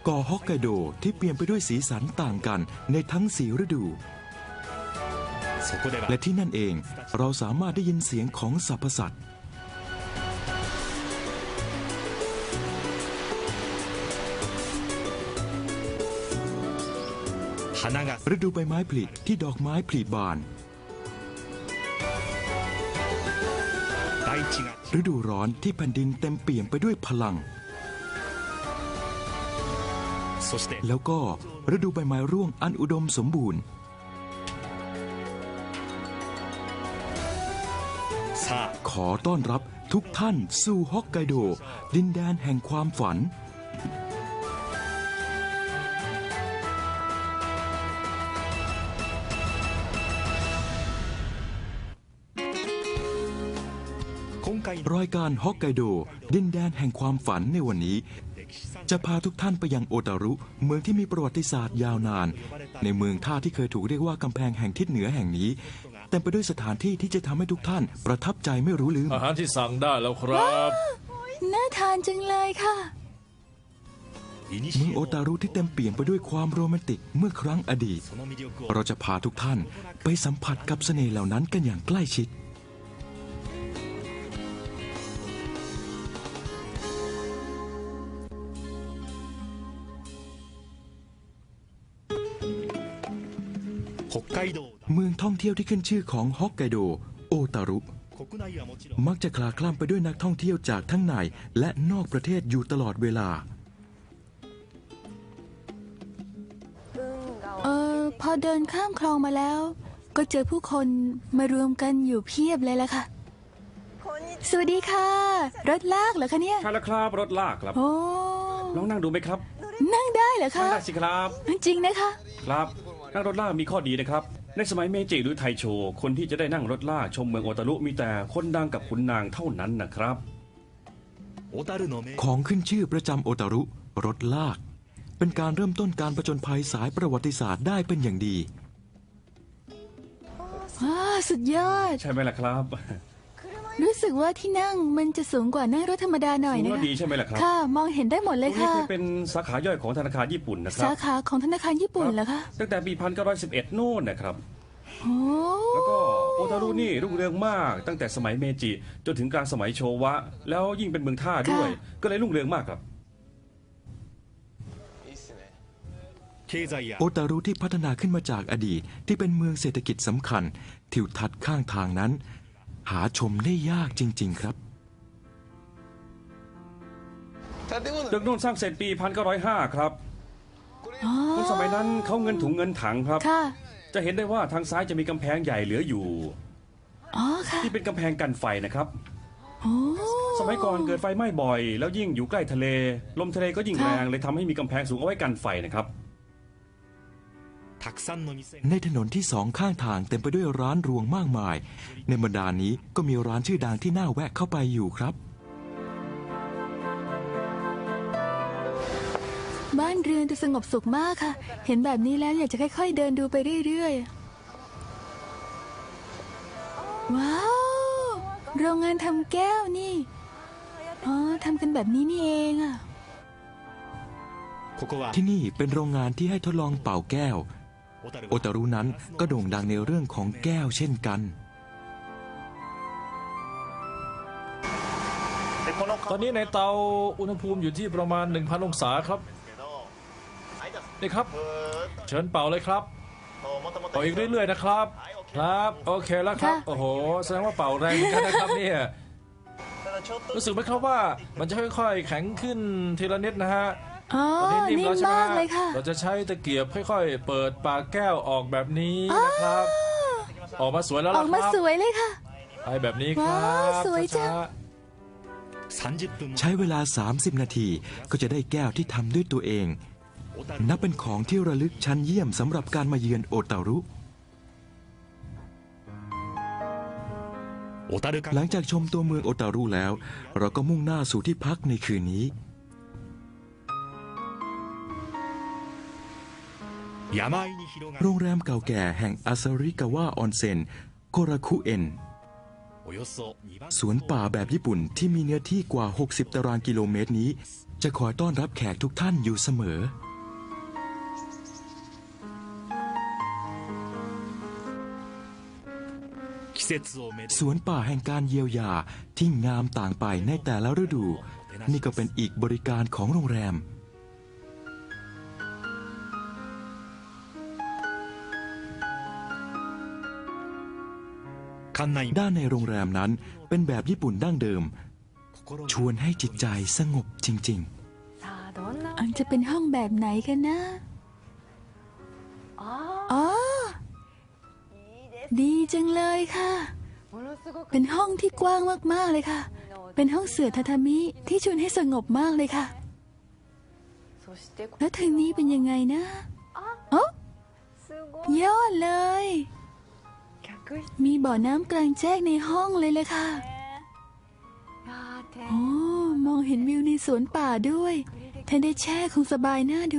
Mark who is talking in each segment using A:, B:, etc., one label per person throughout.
A: เกาะฮอกไกโดที่เปลี่ยนไปด้วยสีสันต่างกันในทั้ง4ฤดูและที่นั่นเองเราสามารถได้ยินเสียงของสรรพสัตว์ฤดูใบไม้ผลิที่ดอกไม้ผลิบานฤดูร้อนที่แผ่นดินเต็มเปี่ยมไปด้วยพลังแล้วก็ฤดูใบไม้ร่วงอันอุดมสมบูรณ์ขอต้อนรับทุกท่านสู่ฮอกไกโดดินแดนแห่งความฝันรายการฮอกไกโดดินแดนแห่งความฝันในวันนี้จะพาทุกท่านไปยังโอตารุเมืองที่มีประวัติศาสตร์ยาวนานในเมืองท่าที่เคยถูกเรียกว่ากำแพงแห่งทิศเหนือแห่งนี้เต็มไปด้วยสถานที่ที่จะทำให้ทุกท่านประทับใจไม่รู้ลืม
B: อาหารที่สั่งได้แล้วครับ
C: น่าทานจังเลยค่ะ
A: เมืองโอตารุที่เต็มเปี่ยมไปด้วยความโรแมนติกเมื่อครั้งอดีตเราจะพาทุกท่านไปสัมผัสกับเสน่ห์เหล่านั้นกันอย่างใกล้ชิดเมืองท่องเที่ยวที่ขึ้นชื่อของฮอกไกโดโอตารุมักจะคลาคล่ำไปด้วยนักท่องเที่ยวจากทั้งในและนอกประเทศอยู่ตลอดเวลา
C: พอเดินข้ามคลองมาแล้วก็เจอผู้คนมารวมกันอยู่เพียบเลยล่ะค่ะสวัสดีค่ะรถลากเหรอคะเนี่ย
B: ใช่แล้วครับรถลากครับ
C: โอ้
B: ลองนั่งดูไหมครับ
C: นั่งได้เหรอคะ
B: นั่งได้สิครับ
C: จริงนะคะ
B: ครับนั่งรถลากมีข้อดีนะครับในสมัยเมจิหรือไทโชคนที่จะได้นั่งรถลากชมเมืองโอตารุมีแต่คนดังกับขุนนางเท่านั้นนะครับ
A: ของขึ้นชื่อประจำโอตารุรถลากเป็นการเริ่มต้นการผจญภัยสายประวัติศาสตร์ได้เป็นอย่างดี
C: สุดยอด
B: ใช่ไหมล่ะครับ
C: รู้สึกว่าที่นั่งมันจะสูงกว่านั่งรถธรรมดาหน่อยนะคะ
B: ดีใช่ไหมล่ะครับ
C: ค่ะมองเห็นได้หมดเลยค่ะ
B: นี่เป็นสาขาย่อยของธนาคารญี่ปุ่นนะครับ
C: สาขาของธนาคารญี่ปุ่นเหรอคะ
B: ตั้งแต่ปี1911โน่นนะครับแล้วก็โอตารุนี่รุ่งเรืองมากตั้งแต่สมัยเมจิจนถึงกลางสมัยโชวะแล้วยิ่งเป็นเมืองท่าด้วยก็เลยรุ่งเรืองมากครับ
A: โอตารุที่พัฒนาขึ้นมาจากอดีตที่เป็นเมืองเศรษฐกิจสำคัญทิวทัศน์ข้างทางนั้นหาชมได้ยากจริงๆครับ
B: ตึกโน่นสร้างเสร็จปี1905ครับในสมัยนั้นเขาเงินถุงเงินถังครับจะเห็นได้ว่าทางซ้ายจะมีกำแพงใหญ่เหลืออยู่ที่เป็นกำแพงกันไฟนะครับสมัยก่อนเกิดไฟไหม้บ่อยแล้วยิ่งอยู่ใกล้ทะเลลมทะเลก็ยิ่งแรงเลยทำให้มีกำแพงสูงเอาไว้กันไฟนะครับ
A: ในถนนที่สองข้างทางเต็มไปด้วยร้านรวงมากมายในบรรดานี้ก็มีร้านชื่อดังที่น่าแวะเข้าไปอยู่ครับ
C: บ้านเรือนจะสงบสุขมากค่ะเห็นแบบนี้แล้วอยากจะค่อยๆเดินดูไปเรื่อยๆว้าวโรงงานทำแก้วนี่ทำกันแบบนี้นี่เองอ่ะ
A: ที่นี่เป็นโรงงานที่ให้ทดลองเป่าแก้วโอตารุนั้นก็โด่งดังในเรื่องของแก้วเช่นกัน
D: ตอนนี้ในเตาอุณหภูมิอยู่ที่ประมาณ 1,000 องศาครับนี่ครับเชิญเป่าเลยครับเป่าอีกเรื่อยๆนะครับครับโอเคแล้วครับโอ้โหแสดงว่าเป่าแรงเหมือนกันนะครับเนี่ยรู้สึกไหมครับว่ามันจะค่อยๆแข็งขึ้นทีละนิดนะฮะ
C: ตอนนี้นิ่มแล้วใช่ไหม
D: เราจะใช้ตะเกียบค่อยๆเปิดปากแก้วออกแบบนี้นะครับออกมาสวยแล้วล่ะครับ
C: ออกมาสวยเลยค่ะ
D: ไปแบบนี้ครับ
C: สวยจัง
A: ใช้เวลา30 นาทีก็จะได้แก้วที่ทำด้วยตัวเองนับเป็นของที่ระลึกชั้นเยี่ยมสำหรับการมาเยือนโอตารุหลังจากชมตัวเมืองโอตารุแล้วเราก็มุ่งหน้าสู่ที่พักในคืนนี้โรงแรมเก่าแก่แห่งอาซาริกาวะออนเซ็นโกราคุเอ็นสวนป่าแบบญี่ปุ่นที่มีเนื้อที่กว่า 60 ตารางกิโลเมตรนี้ จะคอยต้อนรับแขกทุกท่านอยู่เสมอ สวนป่าแห่งการเยียวยาที่งามต่างไปในแต่ละฤดู นี่ก็เป็นอีกบริการของโรงแรม ด้านในโรงแรมนั้นเป็นแบบญี่ปุ่นดั้งเดิม ชวนให้จิตใจสงบจริง
C: อันจะเป็นห้องแบบไหนกันนะ อ๋อ ดีจังเลยค่ะ เป็นห้องที่กว้างมากๆเลยค่ะ เป็นห้องเสื่อทาทามิที่ชวนให้สงบมากเลยค่ะ แล้วทางนี้เป็นยังไงนะอ๋อยอดเลย มีบ่อน้ำกลางแจ้งในห้องเลยค่ะโอ้มองเห็นวิวในสวนป่าด้วยถ้าได้แช่คงสบายน่าดู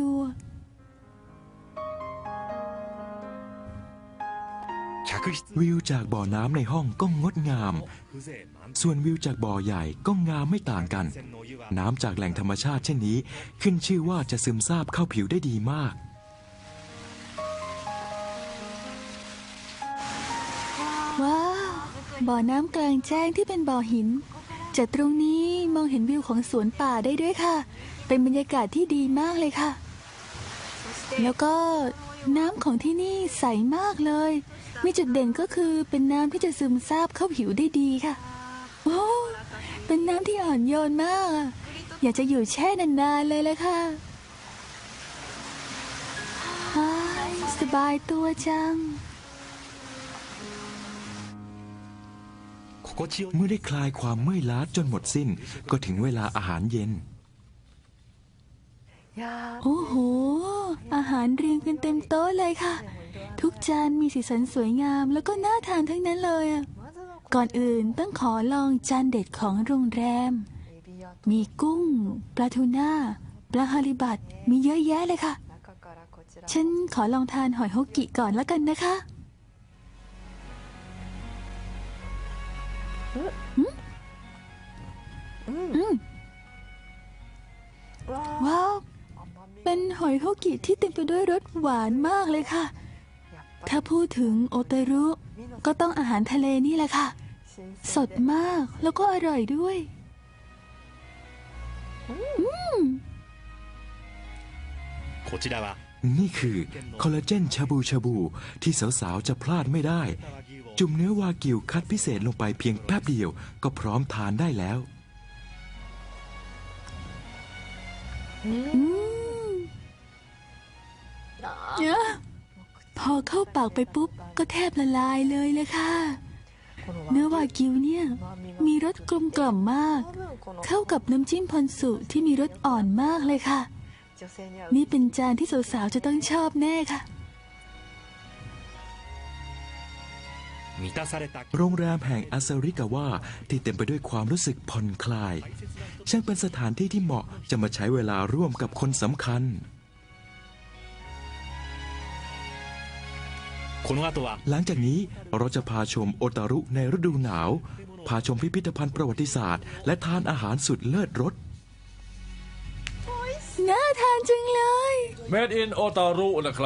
A: ๆ วิวจากบ่อน้ำในห้องก็งดงาม ส่วนวิวจากบ่อใหญ่ก็งามไม่ต่างกัน น้ำจากแหล่งธรรมชาติเช่นนี้ขึ้นชื่อว่าจะซึมซาบเข้าผิวได้ดีมาก
C: ว้าว บ่อน้ำกลางแจ้งที่เป็นบ่อหิน จากตรงนี้มองเห็นวิวของสวนป่าได้ด้วยค่ะ เป็นบรรยากาศที่ดีมากเลยค่ะ แล้วก็น้ำของที่นี่ใสมากเลย มีจุดเด่นก็คือเป็นน้ำที่จะซึมซาบเข้าผิวได้ดีค่ะ โอ้เป็นน้ำที่อ่อนโยนมากอะอยากจะอยู่แช่นานๆเลยละค่ะอ้ายสบายตัวจัง
A: เมื่อได้คลายความเมื่อยล้าจนหมดสิ้น ก็ถึงเวลาอาหารเย็น
C: โอ้โห อาหารเรียงกันเต็มโต๊ะเลยค่ะ ทุกจานมีสีสันสวยงามแล้วก็น่าทานทั้งนั้นเลยอะก่อนอื่นต้องขอลองจานเด็ดของโรงแรม มีกุ้ง ปลาทูน่า ปลาฮาริบัต มีเยอะแยะเลยค่ะ ฉันขอลองทานหอยฮกกิก่อนแล้วกันนะคะว้าว เป็นหอยฮกกิที่เต็มไปด้วยรสหวานมากเลยค่ะ ถ้าพูดถึงโอเตรุ ก็ต้องอาหารทะเลนี่แหละค่ะ สดมากแล้วก็อร่อยด้วย
A: นี่คือคอลลาเจนชาบูชาบูที่สาวๆจะพลาดไม่ได้ จุ่มเนื้อวากิวคัดพิเศษลงไปเพียงแป๊บเดียวก็พร้อมทานได้แล้ว
C: พอเข้าปากไปปุ๊บก็แทบละลายเลยเลยค่ะ เนื้อวากิวเนี่ยมีรสกลมกล่อมมาก เข้ากับน้ำจิ้มพอนสุที่มีรสอ่อนมากเลยค่ะ นี่เป็นจานที่สาวๆจะต้องชอบแน่ค่ะ
A: โรงแรมแห่งอาซาริกาวะที่เต็มไปด้วยความรู้สึกผ่อนคลาย ช่างเป็นสถานที่ที่เหมาะจะมาใช้เวลาร่วมกับคนสำคัญ หลังจากนี้เราจะพาชมโอตารุในฤดูหนาว พาชมพิพิธภัณฑ์ประวัติศาสตร์และทานอาหารสุดเลิศรส
C: น่าทานจังเลย
D: Made in Otaru นะครับ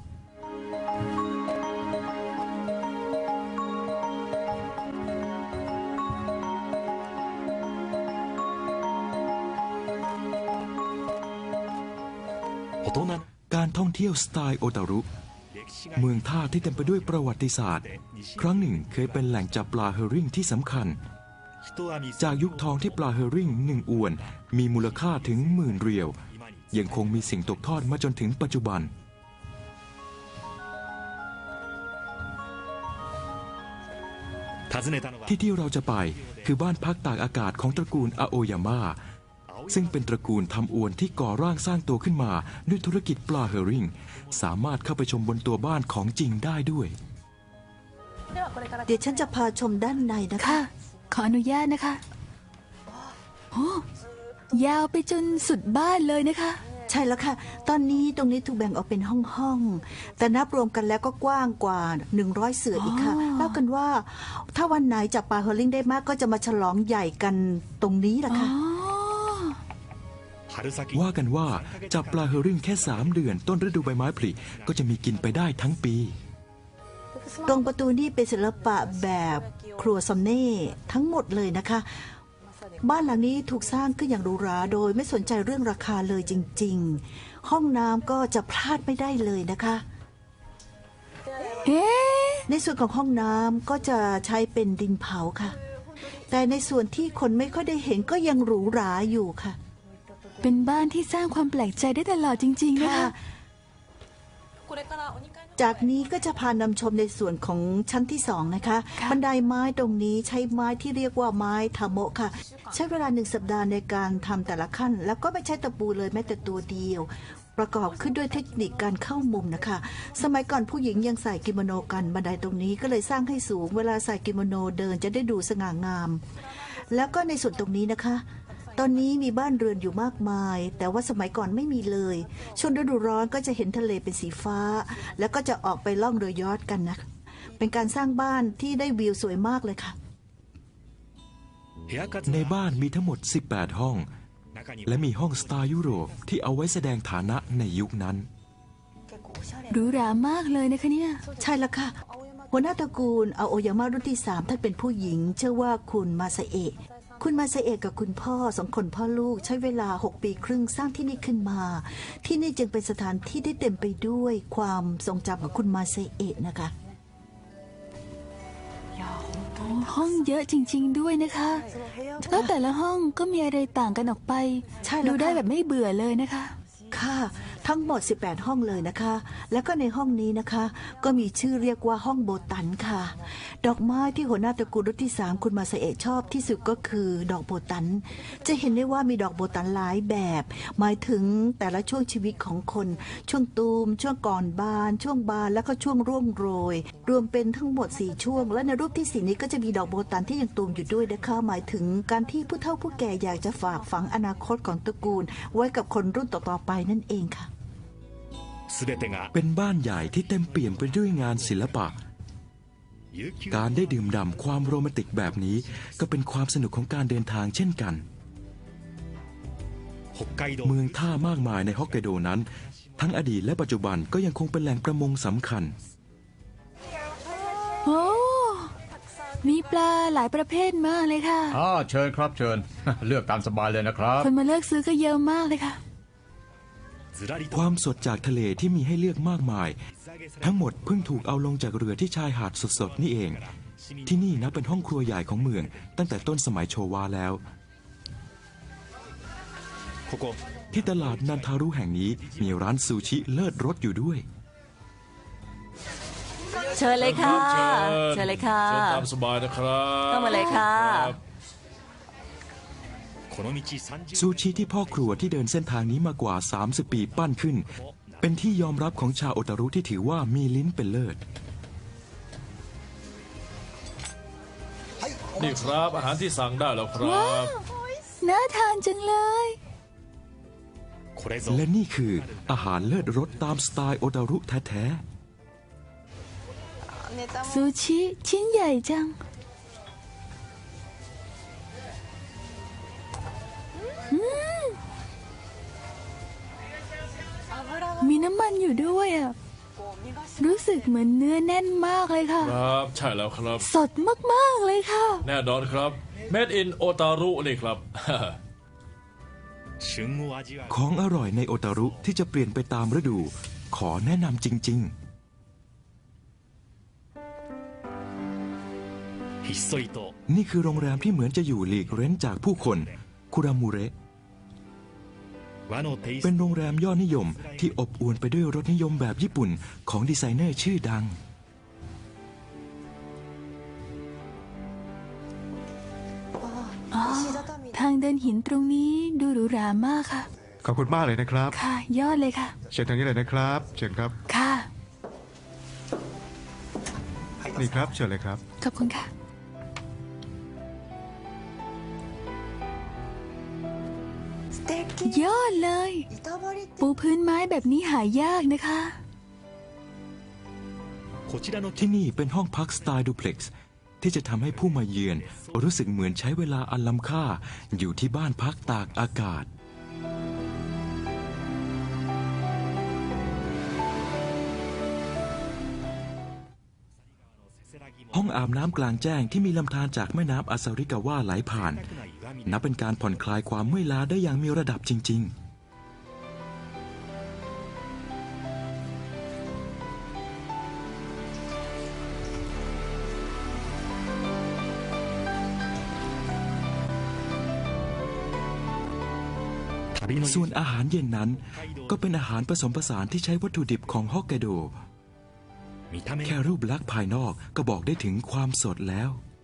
A: การท่องเที่ยวสไตล์โอตารุ เมืองท่าที่เต็มไปด้วยประวัติศาสตร์ ครั้งหนึ่งเคยเป็นแหล่งจับปลาเฮอริ่งที่สำคัญ จากยุคทองที่ปลาเฮอริ่ง1 อวนมีมูลค่าถึง10,000 เรียว ยังคงมีสิ่งตกทอดมาจนถึงปัจจุบัน ที่เราจะไปคือบ้านพักตากอากาศของตระกูลอาโอยาม่าซึ่งเป็นตระกูลทำอวนที่ก่อร่างสร้างตัวขึ้นมาด้วยธุรกิจปลาเฮอริ่งสามารถเข้าไปชมบนตัวบ้านของจริงได้ด้วย
E: เดี๋ยวฉันจะพาชมด้านในนะคะ
C: ค่ะ ขออนุญาตนะคะโอ้ยาวไปจนสุดบ้านเลยนะคะ
E: ใช่แล้วค่ะ ตอนนี้ตรงนี้ถูกแบ่งออกเป็นห้องๆแต่นับรวมกันแล้วก็กว้างกว่า100 เสืออีกค่ะ
C: อ๋อ
E: เล่ากันว่าถ้าวันไหนจับปลาเฮอร์ลิงได้มากก็จะมาฉลองใหญ่กันตรงนี้แหละ
C: อ๋อ
E: ค่ะ
A: ว่ากันว่าจับปลาเฮอริ่งแค่ 3 เดือนต้นฤดูใบไม้ผลิก็จะมีกินไปได้ทั้งปี
E: ตรงประตูนี่เป็นศิลปะแบบครัวซอนเน่ทั้งหมดเลยนะคะ บ้านหลังนี้ถูกสร้างขึ้นอย่างหรูหราโดยไม่สนใจเรื่องราคาเลยจริงๆ ห้องน้ำก็จะพลาดไม่ได้เลยนะคะ
C: เอ๊ะ
E: ในส่วนของห้องน้ำก็จะใช้เป็นดินเผาค่ะ แต่ในส่วนที่คนไม่ค่อยได้เห็นก็ยังหรูหราอยู่ค่ะ
C: เป็นบ้านที่สร้างความแปลกใจได้ตลอดจริงๆนะ
E: ค่ะ
C: คะ
E: จากนี้ก็จะพานำชมในส่วนของชั้นที่สองนะคะ
C: ค่ะ
E: บันไดไม้ตรงนี้ใช้ไม้ที่เรียกว่าไม้ทาโมะค่ะ ใช้เวลา1 สัปดาห์ในการทำแต่ละขั้น แล้วก็ไม่ใช้ตะปูเลยแม้แต่ตัวเดียว ประกอบขึ้นด้วยเทคนิคการเข้ามุมนะคะ สมัยก่อนผู้หญิงยังใส่กิโมโนกัน บันไดตรงนี้ก็เลยสร้างให้สูง เวลาใส่กิโมโนเดินจะได้ดูสง่างาม แล้วก็ในส่วนตรงนี้นะคะ ตอนนี้มีบ้านเรือนอยู่มากมาย แต่ว่าสมัยก่อนไม่มีเลย ช่วงฤดูร้อนก็จะเห็นทะเลเป็นสีฟ้า แล้วก็จะออกไปล่องเรือยอชต์กันนะ เป็นการสร้างบ้านที่ได้วิวสวยมากเลยค่ะ
A: ในบ้านมีทั้งหมด 18 ห้อง และมีห้องสไตล์ยุโรปที่เอาไว้แสดงฐานะในยุคนั้น
C: หรูหรามากเลยนะคะเนี่ย
E: ใช่แล้วค่ะ หัวหน้าตระกูลอาโอยาม่ารุ่นที่ 3ท่านเป็นผู้หญิง ชื่อว่าคุณมาซาเอะคุณมาซาเอะกับคุณพ่อ2 คนพ่อลูกใช้เวลา6 ปีครึ่งสร้างที่นี่ขึ้นมา ที่นี่จึงเป็นสถานที่ที่เต็มไปด้วยความทรงจำของคุณมาซาเอะนะคะ
C: ห้องเยอะจริง ๆ ด้วยนะคะแล้วแต่ละห้องก็มีอะไรต่างกันออกไป
E: ใช่แล้ว
C: ดูได้
E: ค่ะ
C: แบบไม่เบื่อเลยนะคะ
E: ค่ะ ทั้งหมด 18 ห้องเลยนะคะ แล้วก็ในห้องนี้นะคะ ก็มีชื่อเรียกว่าห้องโบตันค่ะ ดอกไม้ที่หัวหน้าตระกูลรุ่นที่ 3 คุณมาซาเอะชอบที่สุดก็คือดอกโบตัน จะเห็นได้ว่ามีดอกโบตันหลายแบบ หมายถึงแต่ละช่วงชีวิตของคน ช่วงตูม ช่วงก่อนบาน ช่วงบานแล้วก็ช่วงร่วงโรย รวมเป็นทั้งหมด 4 ช่วง และในรูปที่ 4 นี้ก็จะมีดอกโบตันที่ยังตูมอยู่ด้วยนะคะ หมายถึงการที่ผู้เฒ่าผู้แก่อยากจะฝากฝังอนาคตของตระกูล ไว้กับคนรุ่นต่อๆไปนั่นเองค่ะ
A: เป็นบ้านใหญ่ที่เต็มเปี่ยมไปด้วยงานศิลปะ การได้ดื่มด่ำความโรแมนติกแบบนี้ก็เป็นความสนุกของการเดินทางเช่นกัน เมืองท่ามากมายในฮอกไกโดนั้น ทั้งอดีตและปัจจุบันก็ยังคงเป็นแหล่งประมงสำคัญ
C: โอ้ มีปลาหลายประเภทมากเลยค่ะ
F: เชิญครับเชิญ เลือกตามสบายเลยนะครับ
C: คนมาเลือกซื้อก็เยอะมากเลยค่ะ
A: ความสดจากทะเลที่มีให้เลือกมากมาย ทั้งหมดเพิ่งถูกเอาลงจากเรือที่ชายหาดสดๆนี่เอง ที่นี่นับเป็นห้องครัวใหญ่ของเมืองตั้งแต่ต้นสมัยโชวาแล้ว ที่ตลาดนันทารุแห่งนี้มีร้านซูชิเลิศรสอยู่ด้วย
G: เชิญเลยค่ะ
D: เชิญ
G: เชิญเลยค่ะ
D: เชิญตามสบายนะครับ
G: เข้ามาเลยค่ะ
D: รับ
A: ซูชิที่พ่อครัวที่เดินเส้นทางนี้มากว่า 30 ปีปั้นขึ้น เป็นที่ยอมรับของชาวโอตารุที่ถือว่ามีลิ้นเป็นเลิศ
D: นี่ครับอาหารที่สั่งได้แล้วครั
C: ว้าว
D: บ
C: น่าทานจังเลย
A: และนี่คืออาหารเลิศรสตามสไตล์โอตารุแท้
C: ซูชิชิ้นใหญ่จัง มีน้ำมันอยู่ด้วยอ่ะ รู้สึกเหมือนเนื้อแน่นมากเลยค่ะ
D: ครับใช่แล้วครับ
C: สดมากๆเลยค่ะ
D: แน่นอนครับ Made in Otaru นี่ครับ
A: ๆ ของอร่อยในโอตารุที่จะเปลี่ยนไปตามฤดู ขอแนะนำจริง ๆ นี่คือโรงแรมที่เหมือนจะอยู่หลีกเร้นจากผู้คนคุรามูเระเป็นโรงแรมยอดนิยมที่อบอวลไปด้วยรสนิยมแบบญี่ปุ่นของดีไซเนอร์ชื่อดัง
C: ทางเดินหินตรงนี้ดูหรูหรามากค่ะ
H: ขอบคุณมากเลยนะครับ
C: ค่ะ ยอดเลยค่ะ
H: เชิญทางนี้เลยนะครับ เชิญครับ
C: ค่ะ
H: นี่ครับ เชิญเลยครับ
C: ขอบคุณค่ะ
H: อ
C: ยอดเลย ปูพื้นไม้แบบนี้หายากนะคะ
A: ที่นี่เป็นห้องพักสไตล์ดูเพล็กซ์ที่จะทำให้ผู้มาเยือนรู้สึกเหมือนใช้เวลาอันล้ำค่าอยู่ที่บ้านพักตากอากาศ ห้องอาบน้ำกลางแจ้งที่มีลำธารจากแม่น้ำอาซาริกาวะไหลผ่าน นับเป็นการผ่อนคลายความเมื่อยล้าได้อย่างมีระดับจริง ๆ ส่วนอาหารเย็นนั้นก็เป็นอาหารผสมผสานที่ใช้วัตถุดิบของฮอกไกโด แค่รูปลักษณ์ภายนอกก็บอกได้ถึงความสดแล้ว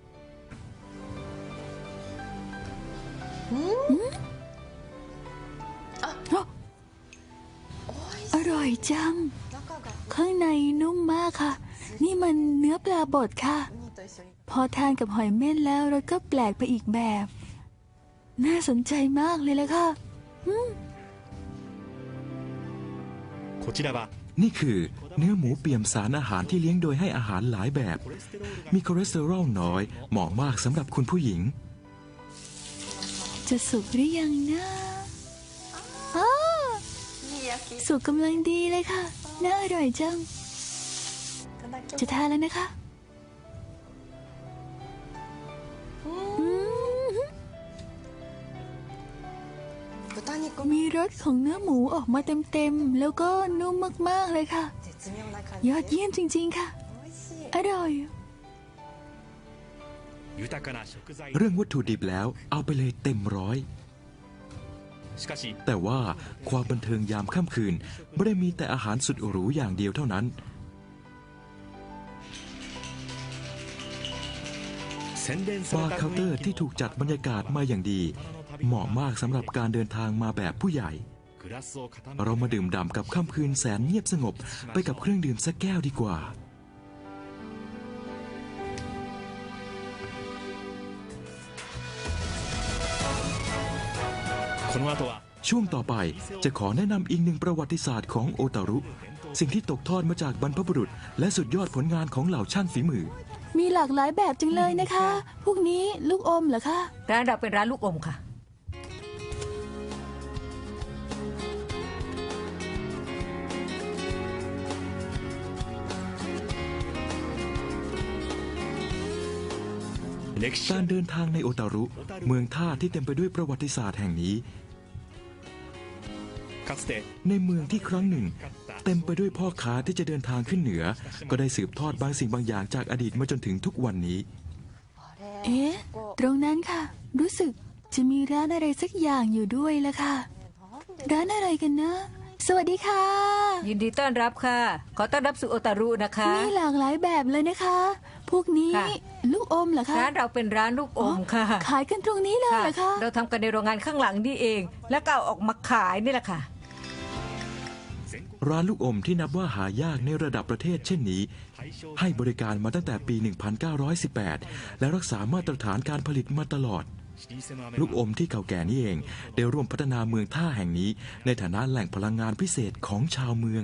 C: อร่อยจัง ข้างในนุ่มมากค่ะ นี่มันเนื้อปลาบดค่ะ พอทานกับหอยเม่นแล้วรสก็แปลกไปอีกแบบ น่าสนใจมากเลยละค่ะ
A: นี่คือเนื้อหมูเปี่ยมสารอาหารที่เลี้ยงโดยให้อาหารหลายแบบ มีคอเลสเตอรอลน้อยเหมาะมากสำหรับคุณผู้หญิง
C: จะสุกหรือยังนะอ้าสุกกำลังดีเลยค่ะ น่าอร่อยจัง จะทานแล้วนะคะ มีรสของเนื้อหมูออกมาเต็มๆ แล้วก็นุ่มมากๆเลยค่ะ ยอดเยี่ยมจริงๆค่ะ อร่อย
A: เรื่องวัตถุดิบแล้วเอาไปเลยเต็มร้อย แต่ว่าความบันเทิงยามค่ำคืนไม่ได้มีแต่อาหารสุดหรูอย่างเดียวเท่านั้น บาร์เคาน์เตอร์ที่ถูกจัดบรรยากาศมาอย่างดี เหมาะมากสำหรับการเดินทางมาแบบผู้ใหญ่ เรามาดื่มด่ำกับค่ำคืนแสนเงียบสงบไปกับเครื่องดื่มสักแก้วดีกว่า ช่วงต่อไปจะขอแนะนำอีกหนึ่งประวัติศาสตร์ของโอตารุ สิ่งที่ตกทอดมาจากบรรพบุรุษ และสุดยอดผลงานของเหล่าช่างฝีมือ
C: มีหลากหลายแบบจังเลยนะคะ พวกนี้ลูกอมเหรอคะ
G: ร้านเราเป็นร้านลูกอมค่ะ
A: การเดินทางในโอตารุ เมืองท่าที่เต็มไปด้วยประวัติศาสตร์แห่งนี้ ในเมืองที่ครั้งหนึ่ง เต็มไปด้วยพ่อค้าที่จะเดินทางขึ้นเหนือ ก็ได้สืบทอดบางสิ่งบางอย่างจากอดีตมาจนถึงทุกวันนี้
C: เอ๊ะ ตรงนั้นค่ะ รู้สึกจะมีร้านอะไรสักอย่างอยู่ด้วยละค่ะ ร้านอะไรกันนะ สวัสดีค่ะ
G: ยินดีต้อนรับค่ะ ขอต้อนรับสู่โอตารุนะคะ
C: มีหลากหลายแบบเลยนะคะ พวกนี้
G: ค่ะ
C: ลูกอมเหรอคะ
G: ร้านเราเป็นร้านลูกอมค่ะ
C: ขายกันตรงนี้เลยเหรอคะ
G: เราทำกันในโรงงานข้างหลังนี่เอง แล้วก็เอาออกมาขายนี่แหละค่ะ
A: ร้านลูกอมที่นับว่าหายากในระดับประเทศเช่นนี้ ให้บริการมาตั้งแต่ปี 1918 และรักษามาตรฐานการผลิตมาตลอด ลูกอมที่เก่าแก่นี้เองได้ร่วมพัฒนาเมืองท่าแห่งนี้ในฐานะแหล่งพลังงานพิเศษของชาวเมือง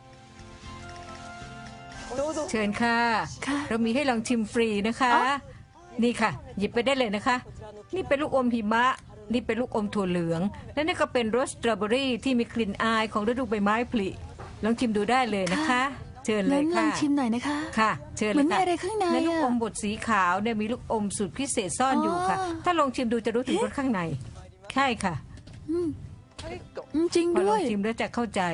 G: เชิญค่ะ
C: ค่ะ
G: เรามีให้ลองชิมฟรีนะคะ นี่ค่ะ หยิบไปได้เลยนะคะ นี่เป็นลูกอมหิมะ นี่เป็นลูกอมถั่วเหลือง และนี่ก็เป็นรสสตรอเบอรี่ที่มีกลิ่นอายของฤดูใบไม้ผลิ ลองชิมดูได้เลยนะคะ เชิญเล
C: งั้
G: ย
C: นลอ
G: ค่ะ
C: งชิมหน่อยนะคะ
G: ค่ะ เชิญ
C: เห
G: เล
C: มือย นมี
G: ค่ะ
C: อะไรข้างใน
G: ในลูก
C: อะ
G: อมบดสีขาวเนี่ยมีลูกอมสูตรพิเศษซ่อนอยู่ค่ะ
C: อ๋อ
G: ถ้าลองชิมดูจะรู้ถึงรสข้างใน ใช่ค่ะ
C: จริง
G: พอล
C: ด้
G: อ
C: ว
G: ง
C: ย
G: ชิมแล้วจะเข้าใจ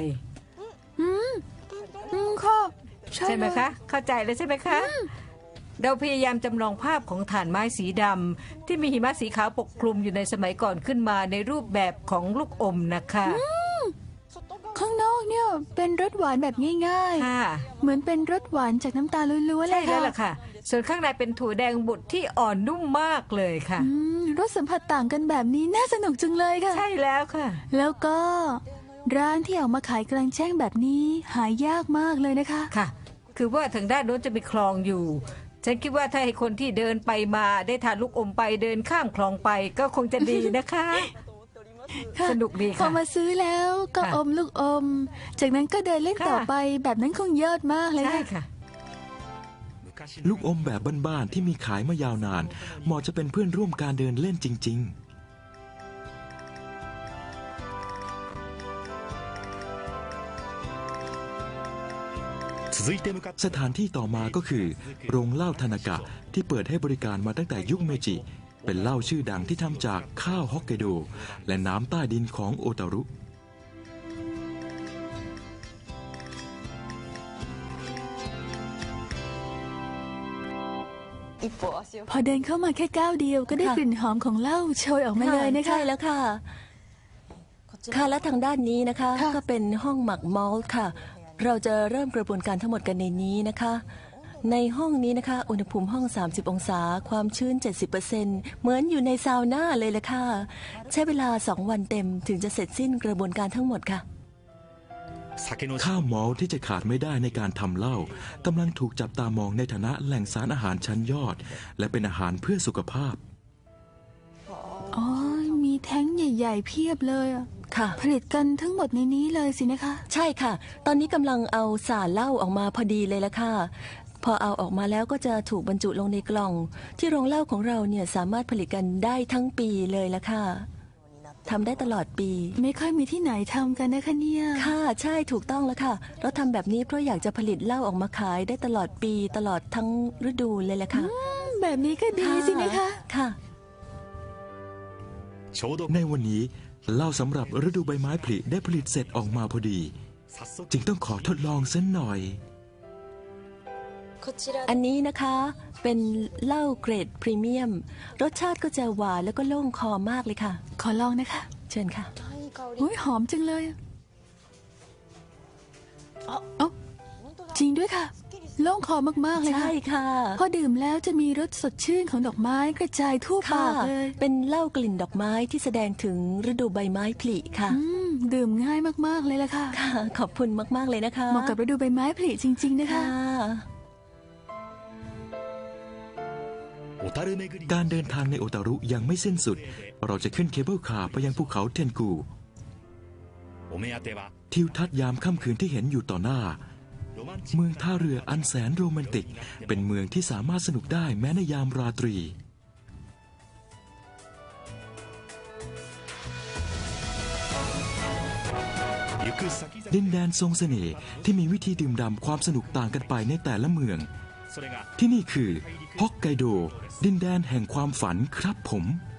C: ค่ะ
G: ใช่ไหม
C: เลย
G: คะ เข้าใจเลยใช่ไหมคะ เราพยายามจำลองภาพของถ่านไม้สีดำที่มีหิมะสีขาวปกคลุมอยู่ในสมัยก่อนขึ้นมาในรูปแบบของลูกอมนะคะ
C: ข้างนอกเนี่ยเป็นรสหวานแบบง่าย
G: ค่ะ
C: ๆ เหมือนเป็นรสหวานจากน้ำตาลล้วนๆเล
G: ใช่
C: ย
G: แล้ว
C: ค่ะ
G: ล่ะค่ะ ส่วนข้างในเป็นถั่วแดงบดที่อ่อนนุ่มมากเลยค่ะ
C: รสสัมผัสต่างกันแบบนี้น่าสนุกจังเลยค่ะ
G: ใช่แล้วค่ะ
C: แล้วก็ร้านที่ออกมาขายกลางแจ้งแบบนี้หายากมากเลยนะคะ
G: ค่ะ คือว่าทางด้านโน้นจะมีคลองอยู่ ฉันคิดว่าถ้าให้คนที่เดินไปมาได้ทานลูกอมไปเดินข้ามคลองไปก็คงจะดีนะคะ
C: ค่ะ
G: สนุกดี
C: พอ
G: ค่ะ
C: มาซื้อแล้วก็
G: ค่ะ
C: อมลูกอม จากนั้นก็เดินเล่น
G: ค่ะ
C: ต่อไปแบบนั้นคงยอดมากเลย
G: ใช่
C: ค่ะ
G: ค่ะ
A: ลูกอมแบบบ้านๆที่มีขายมายาวนานเหมาะจะเป็นเพื่อนร่วมการเดินเล่นจริง ๆ สถานที่ต่อมาก็คือ โรงเหล้าทานากะที่เปิดให้บริการมาตั้งแต่ยุคเมจิ เป็นเหล้าชื่อดังที่ทำจากข้าวฮอกไกโด และน้ำใต้ดินของโอตารุ
C: พอเดินเข้ามาแค่ก้าวเดียวก็ได้
I: ค่ะ
C: กลิ่นหอมของเหล้าโชยออกมาเลยนะคะ
I: ใช่แล้วค่ะ ค่ะและทางด้านนี้นะคะ
C: ค่ะ
I: ก็เป็นห้องหมักมอลต์ค่ะ เราจะเริ่มกระบวนการทั้งหมดกันในนี้นะคะ ในห้องนี้นะคะ อุณหภูมิห้อง 30 องศา ความชื้น 70%เหมือนอยู่ในซาวน่าเลยละค่ะ ใช้เวลา 2 วันเต็มถึงจะเสร็จสิ้นกระบวนการทั้งหมดค่ะ
A: ข้าวมอลต์ที่จะขาดไม่ได้ในการทำเหล้ากำลังถูกจับตามองในฐานะแหล่งสารอาหารชั้นยอด และเป็นอาหารเพื่อสุขภาพ
C: อ๋อ มีแท้งใหญ่ ๆ เพียบเลยอะ
I: ค่ะ
C: ผลิตกันทั้งหมดในนี้เลยสินะคะ
I: ใช่ค่ะ ตอนนี้กำลังเอาสารเหล้าออกมาพอดีเลยละค่ะ พอเอาออกมาแล้วก็จะถูกบรรจุลงในกล่อง ที่โรงเหล้าของเราเนี่ยสามารถผลิตกันได้ทั้งปีเลยละค่ะทำได้ตลอดปี
C: ไม่ค่อยมีที่ไหนทำกันนะคะเนี่ย
I: ค่ะใช่ถูกต้องแล้วค่ะ เราทำแบบนี้เพราะอยากจะผลิตเหล้าออกมาขายได้ตลอดปีตลอดทั้งฤดูเลยแหละค่ะ
C: แบบนี้ก็ดีสินะคะ
I: ค่ะ
A: ในวันนี้เหล้าสำหรับฤดูใบไม้ผลิได้ผลิตเสร็จออกมาพอดี จึงต้องขอทดลองสักหน่อย
I: อันนี้นะคะเป็นเหล้าเกรดพรีเมียม รสชาติก็จะหวานแล้วก็โล่งคอมากเลยค่ะ
C: ขอลองนะคะ
I: เชิญค่ะ
C: อุ้ยหอมจังเลยอะเอ้าจริงด้วยค่ะ โล่งคอมากๆเลย
I: ใช่
C: ค่ะ
I: ค่ะ
C: พอดื่มแล้วจะมีรสสดชื่นของดอกไม้กระจายทั่ว
I: ค่ะ
C: ปากเลย
I: เป็นเหล้ากลิ่นดอกไม้ที่แสดงถึงฤดูใบไม้ผลิค่ะ
C: ดื่มง่ายมากๆเลยล่ะค่ะ
I: ค่ะ ขอบคุณมากๆเลยนะคะ
C: เหมาะกับฤดูใบไม้ผลิจริง ๆ นะคะ
I: ค่ะ
A: การเดินทางในโอตารุยังไม่สิ้นสุด เราจะขึ้นเคเบิลคาร์ไปยังภูเขาเทนกู ทิวทัศน์ยามค่ำคืนที่เห็นอยู่ต่อหน้า เมืองท่าเรืออันแสนโรแมนติก เป็นเมืองที่สามารถสนุกได้แม้ในยามราตรี ดินแดนทรงเสน่ห์ที่มีวิธีดื่มด่ำความสนุกต่างกันไปในแต่ละเมือง ที่นี่คือฮอกไกโด ดินแดนแห่งความฝันครับผม